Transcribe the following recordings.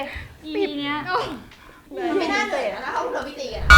ปีเนี้ยไม่น่าเสร็จแล้วเขาเราไม่ตีกัน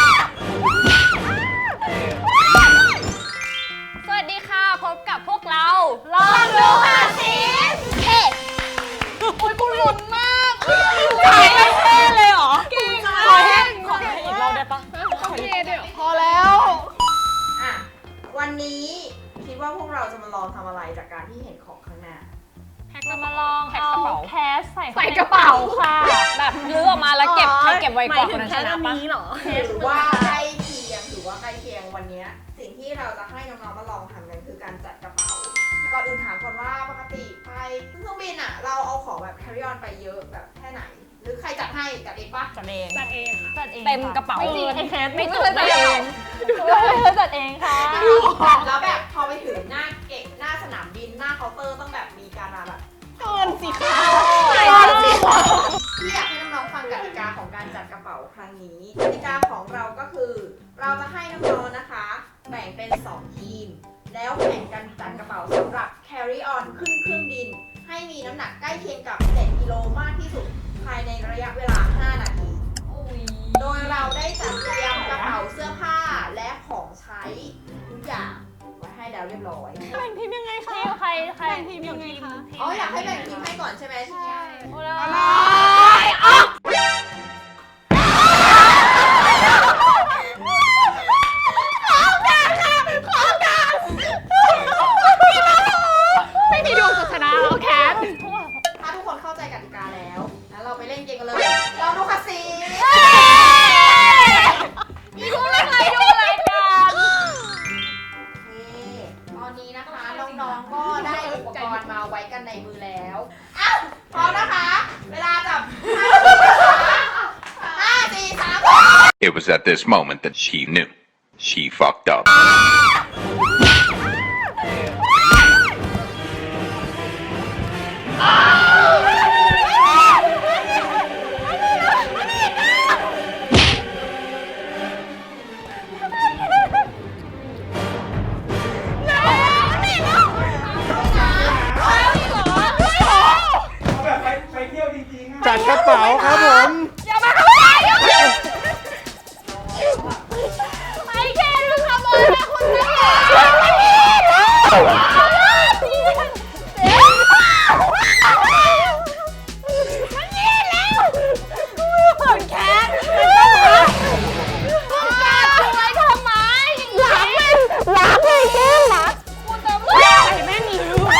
สวัสดีค่ะพบกับพวกเราลองดูค่ะสิเฮ้โอ้ยกูลุ้นมากถ่ายไม่เท่เลยเหรอเก่งขอแห้งอีกรอบได้ปะขอเท่ด้วยพอแล้วอ่ะวันนี้คิดว่าพวกเราจะมาลองทำอะไรจากการที่เห็นของข้างหน้าจะมาลองเอาแคสใส่กระเป๋าค่ะแบบลื้อออกมาแล้วเก็บให้เก็บไว้ก่อนคนชนะปะหรือว่าใกล้เคียงวันนี้สิ่งที่เราจะให้น้องๆมาลองทำกันคือการจัดกระเป๋าก่อนอื่นถามก่อนว่าปกติไปเครื่องบินอ่ะเราเอาของแบบ carry on ไปเยอะแบบแค่ไหนหรือใครจัดให้จัดเองปะจัดเองเต็มกระเป๋าไอ้แคสไม่จุกจัดเองจัดเองค่ะแล้วแบบพอไปถึงหน้าเก่งหน้าสนามบินหน้าเคาน์เตอร์ต้องแบบมีการมาแบบเกินสิค่ะที่อยากให้น้องๆฟังกติกาของการจัดกระเป๋าครั้งนี้กติกาของเราก็คือเราจะให้น้องๆนะคะแบ่งเป็น2ทีมแล้วแข่งกันจัดกระเป๋าสำหรับ carry on ขึ้นเครื่องบินให้มีน้ำหนักใกล้เคียงกับ7กิโลมากที่สุดภายในระยะเวลา5นาทีโดยเราได้จัดเตรียมกระเป๋าเสื้อผ้าและของใช้ทุกอย่างไว้ให้แล้วเรียบร้อยแบ่งทีมยังไงคะใครแบ่งทีมยังไงคะอ๋ออยากให้แบ่งทีมให้ก่อนใช่ไหมใช่อะไรไม่มีดวงศาสนาแล้วแคทถ้าทุกคนเข้าใจกติกาแล้วเราไปเล่นเกมกันเลยเราดูคาซีดูอะไรกันตอนนี้นะคะน้องๆก็ได้อุปกรณ์มาไว้กันในมือแล้วอ้าวพร้อมนะคะเวลาจับ5 4 3 It was at this moment that she knew. She fucked up. จัดกระเป๋าครับผมอย่ามาเข้าไปไอ้แกมึงทำอะไรคนนี้มันนี่แล้วคุณแคทคุณกัดตัวไว้ทำไมหลังเลยแก้มหลังคุณจะไม่แม่หนี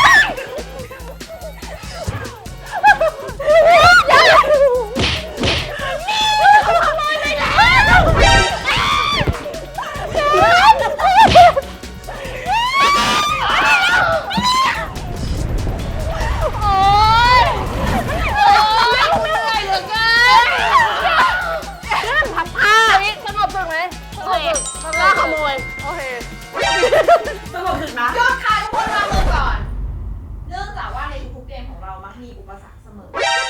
ยอดค่ะทุกคนมามือก่อนเนื่องจากว่าในทุกเกมของเรามักมีอุปสรรคเสมอ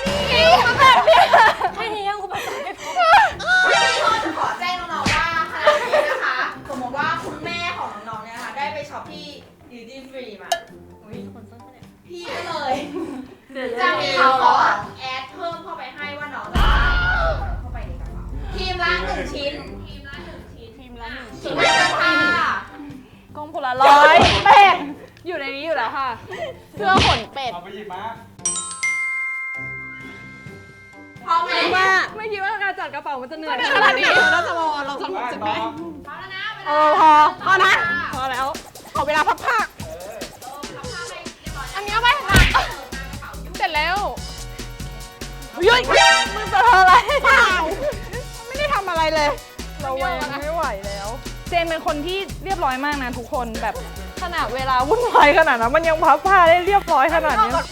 แค่นี้ยังอุปสรรคไม่พอพี่ก็จะขอแจ้งน้องๆว่าขณะนี้นะคะสมมติว่าคุณแม่ของน้องๆเนี่ยนะคะได้ไปช็อปที่ดิวตี้ฟรีมาพี่ก็เลยจะมีของแอดเพิ่มเข้าไปให้ว่าน้องจะเข้าไปในกระเป๋าทีมละ1 ชิ้นชิ้นละค่ะกล้องโพลารอยด์เป็ดอยู่ในนี้อยู่แล้วค่ะเสื้อขนเป็ดเอาไปหยิบมาพร้อมไหมไม่คิดว่าการจัดกระเป๋ามันจะเหนื่อยขนาดนี้แล้วจะลองสนุกใช่ไหมพร้อมแล้วนะพอนะพอแล้วขอเวลาพับผ้าอันนี้เอาไปเสร็จแล้วยุ้ยมึงจะทำอะไรไม่ได้ทำอะไรเลยเราแวงไม่ไหวแล้วเจนเป็นคนที่เรียบร้อยมากนะทุกคนแบบขนาดเวลาวุ่นวายขนาดนั้นมันยังพับผ้าได้เรียบร้อยขนาดนี้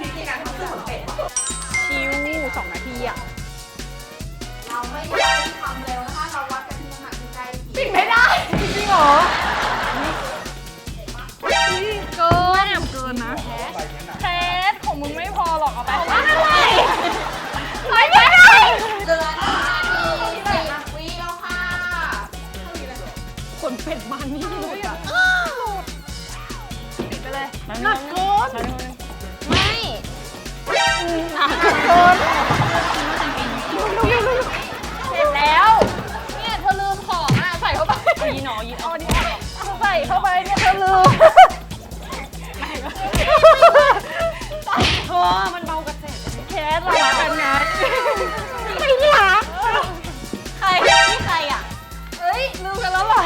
ชิว2 นาทีอ่ะเราไม่ได้ทำเร็วนะคะเราวัดกันที่น้ำหนักที่ใกล้เคียงปิดไม่ได้จริงเหรอเกินนะแคสของมึงไม่พอหรอกเอาไปไม่ได้เดือน10 วิแล้วค่ะขนเป็ดมันนี่หมดอ่ะปิดไปเลยหนักเกินไม่หนักเกินสเรารักกันไงไม่รักใครนี่ใครอ่ะเอ้ยลืมกันแล้วเหรอ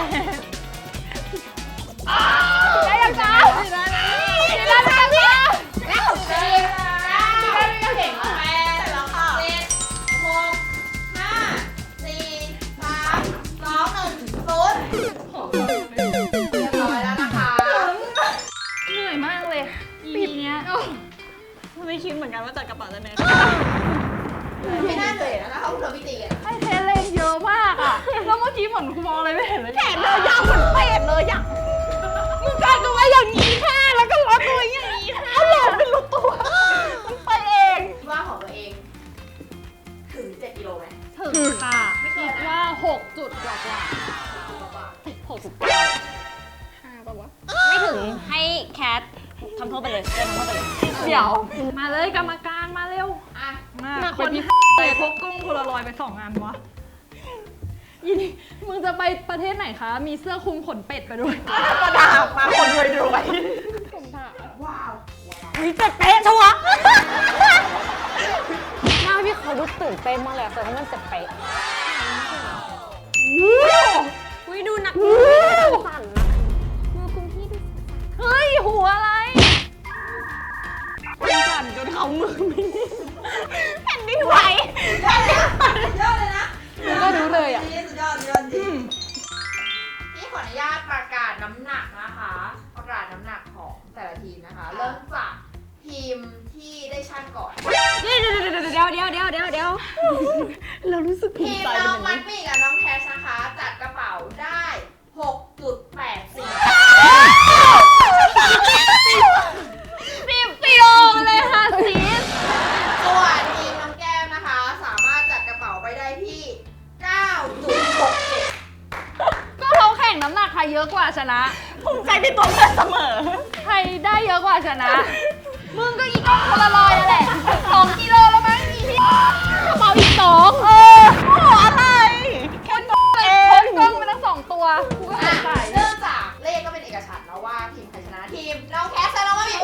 ได้ยังจ้าได้แล้วจ้าแล้วเจ็ดก็เก่งมากแม่แล้วค่ะ7 6 5 4 3 2 1 0เรียบร้อยแล้วนะคะเหนื่อยมากเลยปีเนี้ยไม่คิดเหมือนกันว่าจัดกระเป๋าจะแน่ไม่น่าเจอนะคะคุณเราพี่ตีกันให้เทเลนเยอะมากอ่ะแล้วเมื่อกี้เหมือนกูมองอะไรไม่เห็นเลยแขนเธอยาวเหมือนเป็ดเลยอ่ะมึงกลายเป็นว่าอย่างนี้แค่แล้วก็ล็อกตัวอย่างนี้ถ้าหลอกเป็นรู้ตัวมันไปเองว่าของตัวเอง ถึง7 กิโลไหมถึงค่ะคิดว่า6 จุดกว่าไม่ถึงให้แคททำโทษไปเลยเดินทำโทษไปเลยเดี๋ยวมาเลยกรรมการมาเร็วอ่ะมาคนที่ไปพกกล้องโพลารอยด์ไป2 อันวะยินมึงจะไปประเทศไหนคะ มีเสื้อคลุมขนเป็ดไปด้วยกระดาษมาคนรวย ว้าวมีเป๊ะชัวร์หน้าพี่เขาดูตื่นเต้นมากเลยแต่ว่ามันจะเป๊ะอุ้ยดูหนักสั่นนะมือคุณพี่ดูเฮ้ย หัวอะไรสั่นจนเขามือไม่นิ่งแผ่นดินไหวยอดเลยนะก็รู้เลยอ่ะสุดยอดจริงพี่ขออนุญาตประกาศน้ำหนักนะคะ ประกาศน้ำหนักของแต่ละทีมนะคะ เริ่มจากทีมที่ได้ชั่งก่อนเดี๋ยวเรารู้สึกภูทีมิมใจน้เป็องนมัอดย่างนี้มี่กับน้องแคชนะคะ จัดกระเป๋าได้ 6.84 10 โลเลยค่ะซีสส่วนทีมน้องแก้มนะคะ สามารถจัดกระเป๋าไปได้ที่ 9.67 ก็เขาแข่งน้ำหนักใครเยอะกว่าชนะภูมิใจในตัวเพื่อนเสมอใครได้เยอะกว่าชนะ มึงก็อีกกล้องโพลารอยด์นั่นแหละ2 กิโลแล้วมั้งอีพี่กระเป๋าอีก2โอ้อะไรคนกล้องไปทั้ง2 ตัวกูก็สงสัยเนื่องจากเลขก็เป็นเอกฉันท์แล้วว่าทีมใครชนะทีมน้องแคสและน้องมัดมี่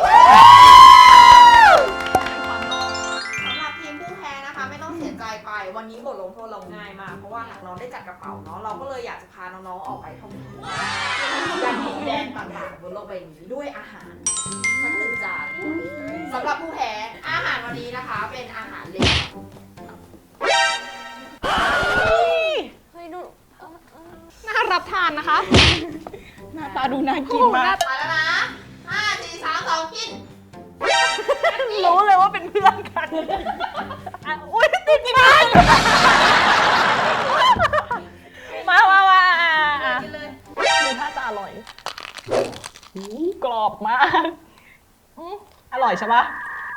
สำหรับทีมผู้แพ้นะคะ ไม่ต้องเสียใจไปวันนี้บทลงโทษเราง่ายมากเพราะว่าน้องได้จัดกระเป๋าเนาะเราก็เลยอยากจะพาน้องๆออกไปท่องเที่ยวการดินแดนต่างๆบนโลกใบนี้ด้วยอาหารสัก1 จานสำหรับผู้แพ้อาหารวันนี้นะคะเป็นอาหารเล็กเฮ้ยดูน่ารับทานนะคะหน้าตาดูน่ากินมากไปแล้วนะ5 4 3 2กินรู้เลยว่าเป็นเพื่อนกันอุ้ยติดกันมากินเลยดูท่าจะอร่อยกรอบมากอร่อยใช่ปะ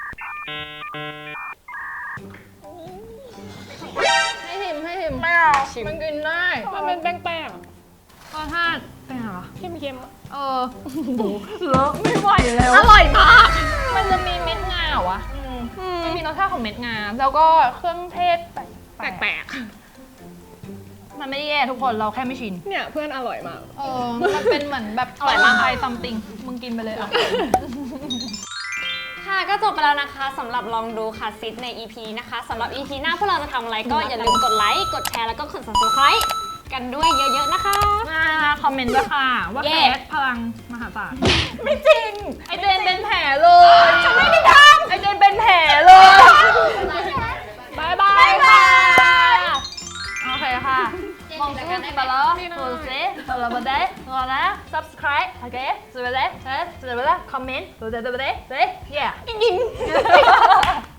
ให้หิมไม่เอา มันกินได้ มันเป็นแป้งๆรสชาติเป็นไงวะเค็มเลอะไม่ไหวแล้วอร่อยมากมันจะมีเม็ดงาเหรอวะมันมีรสชาติของเม็ดงา แล้วก็เครื่องเทศแปลกๆมันไม่ได้แย่ทุกคนเราแค่ไม่ชินเนี่ยเพื่อนอร่อยมากมันเป็นเหมือนแบบอร่อยมากไทยซัมติงมึงกินไปเลยอ่ะค่ะก็จบไปแล้วนะคะสำหรับลองดูค่ะซิดใน EP นะคะสำหรับ EP หน้าพวกเราจะทำอะไรก็อย่าลืมกดไลค์กดแชร์แล้วก็กด subscribe กันด้วยเยอะๆนะคะคอมเมนต์ด้วยค่ะ ว่าเย้แคสพลังมหาศาลไม่จริง ไอเจนเป็นแผลเลยฉันไม่ได้ทำไอเจนเป็นแผลเลยบายบายค่ะโอเคค่ะมองสู้ไปแล้วโอเคเราไปได้รอนะ subscribe โอเคสุดไปเลยคอมเมนต์สุดไปเลย yeah ยิง